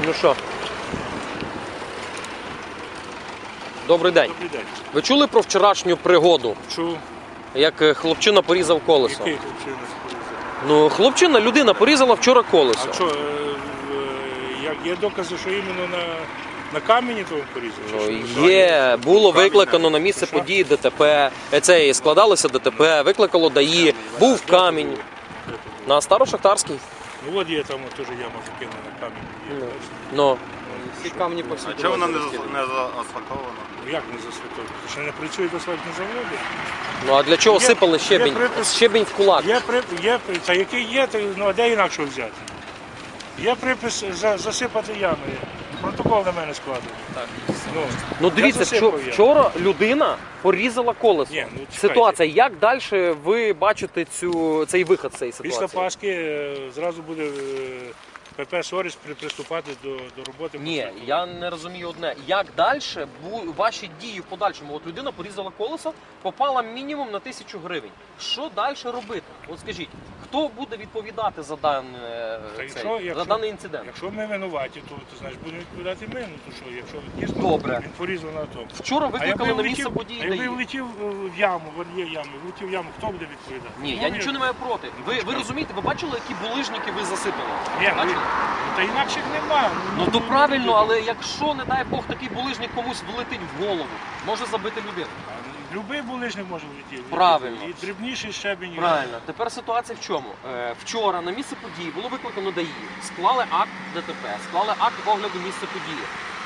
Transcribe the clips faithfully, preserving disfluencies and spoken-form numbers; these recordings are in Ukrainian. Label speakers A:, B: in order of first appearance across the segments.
A: Ну що? Добрий день.
B: Добрий день.
A: Ви чули про вчорашню пригоду?
B: Чув.
A: Як хлопчина порізав колесо?
B: Який хлопчина порізав?
A: Ну, хлопчина, людина порізала вчора колесо.
B: А що, е, е, є докази, що іменно на, на камені того порізав?
A: Ну, є, було викликано на місце події ДТП, це складалося ДТП, викликало ДАІ, був камінь. На Старошахтарській.
B: Ну от є там теж яма закинена на камінь. Є,
A: Ну.
C: Всі камні по всій
D: А чого вона не, зас- не заасфальтована?
B: Ну як не засвітовано? Що не працюють асфальтні заводи?
A: Ну а для чого
B: Є-
A: сипали
B: є
A: щебінь?
B: припис-
A: Щебінь в кулак.
B: Є, при, є, при- та який є, то, ну а де інакше взяти? Є припис за, засипати ями. Протокол на мене складений.
C: Так.
B: Ну,
A: Ну
B: я
A: дивіться,
B: засипав
A: вчо-
B: яму.
A: вчора людина порізала колесо.
B: Ні, ну, чекайте.
A: Ситуація, як далі ви бачите цю, цей виход з цієї
B: Після
A: ситуації?
B: Пасхи е, зразу буде е, ПП «Соріс» при- приступати до, до роботи. по
A: Ні,
B: асфальту.
A: я не розумію одне. Як далі ваші дії в подальшому? От людина порізала колесо, попала мінімум на тисячу гривень. Що далі робити? От скажіть, хто буде відповідати за, дане,
B: Та
A: цей,
B: якщо-
A: за
B: якщо-
A: даний інцидент?
B: Якщо ми винуваті, то, то значить будемо відповідати ми. Ну то що, якщо дійсно
A: Добре.
B: він порізав на тому.
A: Вчора
B: А якби
A: викликали на місце
B: влетів,
A: події
B: а якби
A: ДАІ.
B: влетів е, в яму, от є ями, влетів в яму, хто буде відповідати?
A: Ні,
B: Ну,
A: я нічого не маю проти. Ви, ви розумієте, ви бачили, які булижники ви засипали?
B: Ні, ну,
A: Бачили?
B: та інакших нема.
A: Ну то правильно, але якщо, не дай Бог, такий булижник комусь влетить в голову, може забити людину.
B: Любий булижник може влетіти.
A: Правильно.
B: І дрібніший щебінь. і-
A: Правильно. Тепер ситуація в чому? Е, вчора на місце події було викликано ДАІ, склали акт ДТП, склали акт огляду місця події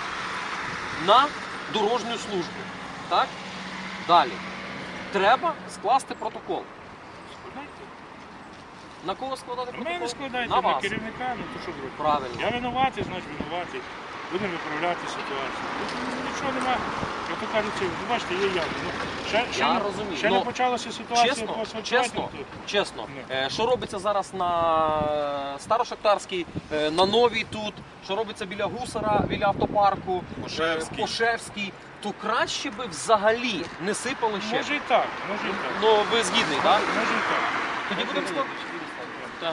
A: на дорожню службу. Так? Далі. Треба скласти протокол.
B: Складайте.
A: На кого складати
B: На
A: протокол?
B: мене складайте,
A: На
B: на
A: вас.
B: керівника, ну то що зробити?
A: Правильно.
B: Я винуватий, значить винуватий. Будемо виправляти ситуацію. Ну, нічого немає. Я то кажу, це, ви бачите, є ями. Ну, ще ще,
A: Я
B: не,
A: розумію.
B: ще
A: Ну,
B: не почалася ситуація по
A: Чесно,
B: асфальтуванню,
A: чесно,
B: то-
A: чесно.
B: Ні.
A: Е, Що робиться зараз на Старошахтарській, е, на Новій тут, що робиться біля Гусара, біля автопарку,
D: Пошевський.
A: е, Пошевський, то краще би взагалі не сипали ще.
B: Може і так, може і так.
A: Ну ви згідний, так?
B: Може і так.
A: Тоді будемо складати. Так.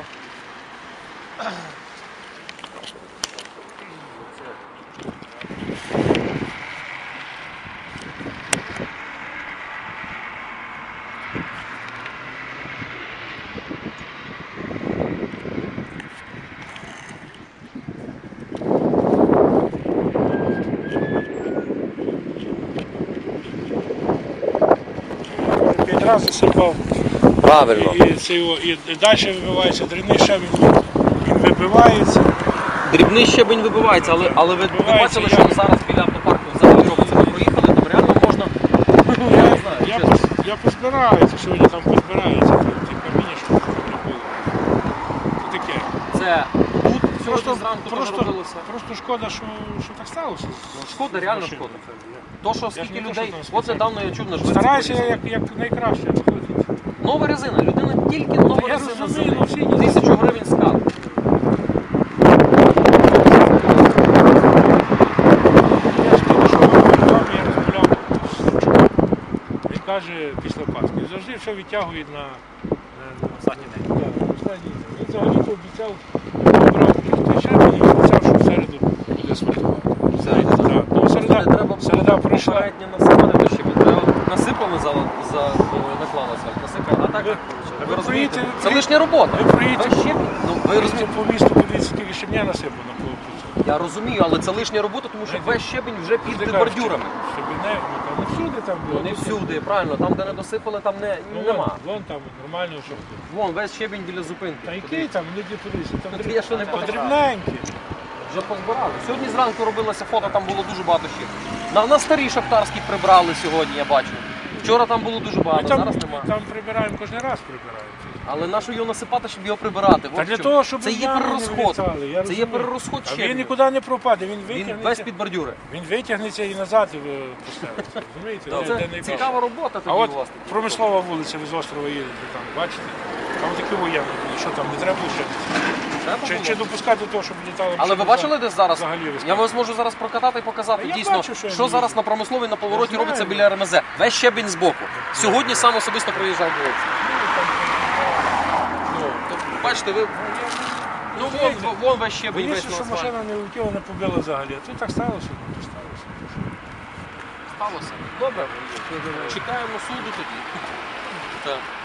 B: П'ять разів засипав.
A: Правильно.
B: І, це його, і, і далі вибивається дрібний щебінь, він вибивається.
A: Дрібний щебень вибивається, але, але ви, ви
B: Вибивається,
A: бачили,
B: я-
A: що зараз біля автопарку взагалі робиться. Ви проїхали, там реально можна. Я не знаю,
B: Я,
A: чесно.
B: пос- я позбираюся, сьогодні там позбирається, ті каміння, що тут не було. Це таке.
A: Це тут сьогодні
B: Просто,
A: зранку
B: просто,
A: робилося.
B: просто шкода, що, що так сталося.
A: Шкода, реально
B: Машина.
A: шкода. То, що
B: Я ж
A: скільки
B: не то,
A: людей.
B: що там
A: От
B: спеціально.
A: недавно я чув на Жвиці.
B: Стараюся
A: порізали.
B: як, як найкраще виходить.
A: Нова резина. Людина тільки нова
B: Та я
A: резина
B: розумію, ну, всі
A: зимить.
B: ні.
A: Тисячу гривень скат.
B: Я ж тільки що вам я розмовляв з Шевчуком. Він каже після Пасхи. Він завжди все відтягує на, на, на останній день. Так, на останній день. Він взагалі-то обіцяв, брав той щебінь і обіцяв, що в середу буде асфальтувати.
A: Середу, так.
B: Так. Ну,
A: Не
B: середа,
A: треба
B: середа пройшла.
A: попередньо насипати до щебень. Треба насипали за, за наклали асфальт. Насипали. А так,
B: Ви-
A: ви,
B: ви
A: розумієте,
B: проїдьте-
A: це лишня робота.
B: ви проїдьте-
A: Весь щебінь. Ну, ви
B: Ви
A: розумієте.
B: по місту подивіться, скільки щебня насипано по по
A: Я розумію, але це лишня робота, тому що весь щебінь вже під бордюрами.
B: Щебіне, ну там не всюди там
A: Ну
B: було.
A: не всюди, правильно, там де не досипали, там не,
B: Ну,
A: нема.
B: Вон, вон там нормально, що.
A: Вон, весь щебінь біля зупинки.
B: Та який там, люди туристи, там
A: Ну, я що не бачив.
B: подрібненькі.
A: Вже позбирали. Сьогодні зранку робилося фото, там було дуже багато щебня. На, на старій шахтарській прибрали сьогодні, я бачу. Вчора там було дуже
B: Ми
A: багато,
B: там,
A: зараз немає.
B: там прибираємо, кожен раз прибираємо.
A: Але на що його насипати, щоб його прибирати?
B: Та
A: От
B: для
A: в чому.
B: того, щоб
A: це є
B: ями не
A: перерозход.
B: вилітали, я
A: Це є
B: розумію.
A: перерозход
B: А він
A: щебня.
B: нікуди не пропаде, він
A: Він
B: витягнеться,
A: весь під бордюри.
B: він витягнеться і назад е, поставиться. Розумієте? Де- де
A: Це
B: найбільше.
A: цікава робота
B: А
A: тоді
B: от
A: у вас.
B: промислова вулиця, ви з острова їдете там, бачите? Там такі воєнні, що там, не треба ще?
A: Треба
B: Чи,
A: було?
B: чи допускати того, щоб літали
A: Але ви
B: машини
A: бачили десь зараз?
B: взагалі
A: Я
B: розказати?
A: вас можу зараз прокатати і показати
B: Та я
A: дійсно,
B: бачу, що я
A: що
B: не
A: зараз
B: їжджу.
A: на промисловій на повороті
B: Я
A: робиться
B: знаю.
A: біля РМЗ. Весь щебінь збоку. Сьогодні сам особисто проїжджав вулицю. Ну, то, бачите, ви Ну, вон, вон весь ще весь
B: Боюся,
A: на
B: що
A: асфальті.
B: машина не влетіла, не побила взагалі. А тут так сталося, ну то сталося.
A: Сталося. Добре. Чекаємо суду тоді. Так.